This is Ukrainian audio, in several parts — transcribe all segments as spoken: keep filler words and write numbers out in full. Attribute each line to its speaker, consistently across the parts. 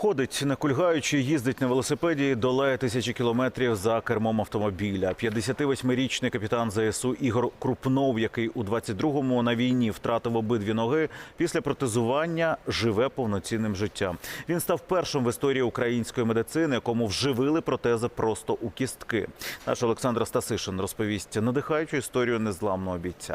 Speaker 1: Ходить, не кульгаючи, їздить на велосипеді і долає тисячі кілометрів за кермом автомобіля. п'ятдесятивосьмирічний капітан зе ес у Ігор Крупнов, який у двадцять другому на війні втратив обидві ноги, після протезування живе повноцінним життям. Він став першим в історії української медицини, якому вживили протези просто у кістки. Наш Олександр Стасишин розповість надихаючу історію незламного бійця.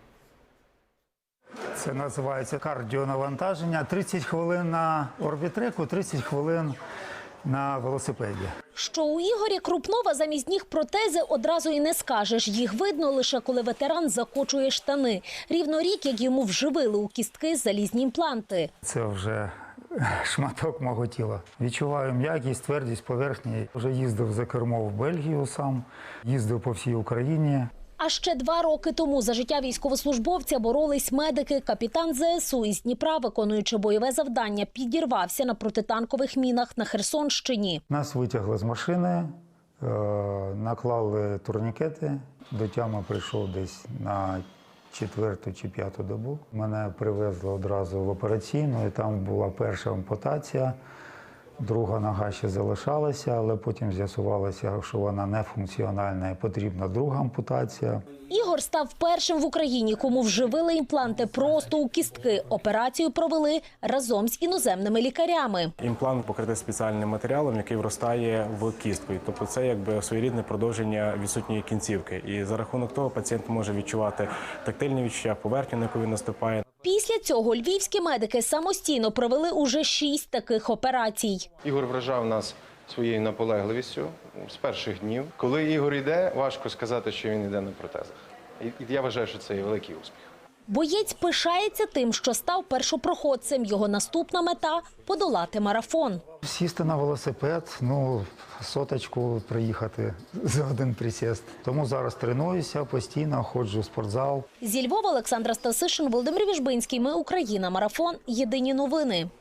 Speaker 2: Це називається кардіонавантаження. тридцять хвилин на орбітреку, тридцять хвилин на велосипеді.
Speaker 3: Що у Ігоря Крупнова замість ніг протези одразу і не скажеш. Їх видно лише коли ветеран закочує штани. Рівно рік, як йому вживили у кістки залізні імпланти.
Speaker 2: Це вже шматок мого тіла. Відчуваю м'якість, твердість поверхні. Вже їздив за кермо в Бельгію сам, їздив по всій Україні.
Speaker 3: А ще два роки тому за життя військовослужбовця боролись медики. Капітан зе ес у із Дніпра, виконуючи бойове завдання, підірвався на протитанкових мінах на Херсонщині.
Speaker 2: Нас витягли з машини, наклали турнікети. До тями прийшов десь на четверту чи п'яту добу. Мене привезли одразу в операційну, і там була перша ампутація. Друга нога ще залишалася, але потім з'ясувалося, що вона нефункціональна і потрібна друга ампутація.
Speaker 3: Ігор став першим в Україні, кому вживили імпланти просто у кістки. Операцію провели разом з іноземними лікарями.
Speaker 4: Імплант покритий спеціальним матеріалом, який вростає в кістку. Тобто це якби своєрідне продовження відсутньої кінцівки. І за рахунок того пацієнт може відчувати тактильні відчуття, поверхню, на яку він наступає.
Speaker 3: Після цього львівські медики самостійно провели уже шість таких операцій.
Speaker 5: Ігор вражав нас своєю наполегливістю з перших днів. Коли Ігор йде, важко сказати, що він йде на протезах. І я вважаю, що це є великий успіх.
Speaker 3: Боєць пишається тим, що став першопроходцем. Його наступна мета – подолати марафон.
Speaker 2: Сісти на велосипед, ну, соточку проїхати за один присіст. Тому зараз тренуюся, постійно ходжу в спортзал.
Speaker 3: Зі Львова Олександра Стасишин, Володимир Віжбинський. Ми Україна. Марафон. Єдині новини.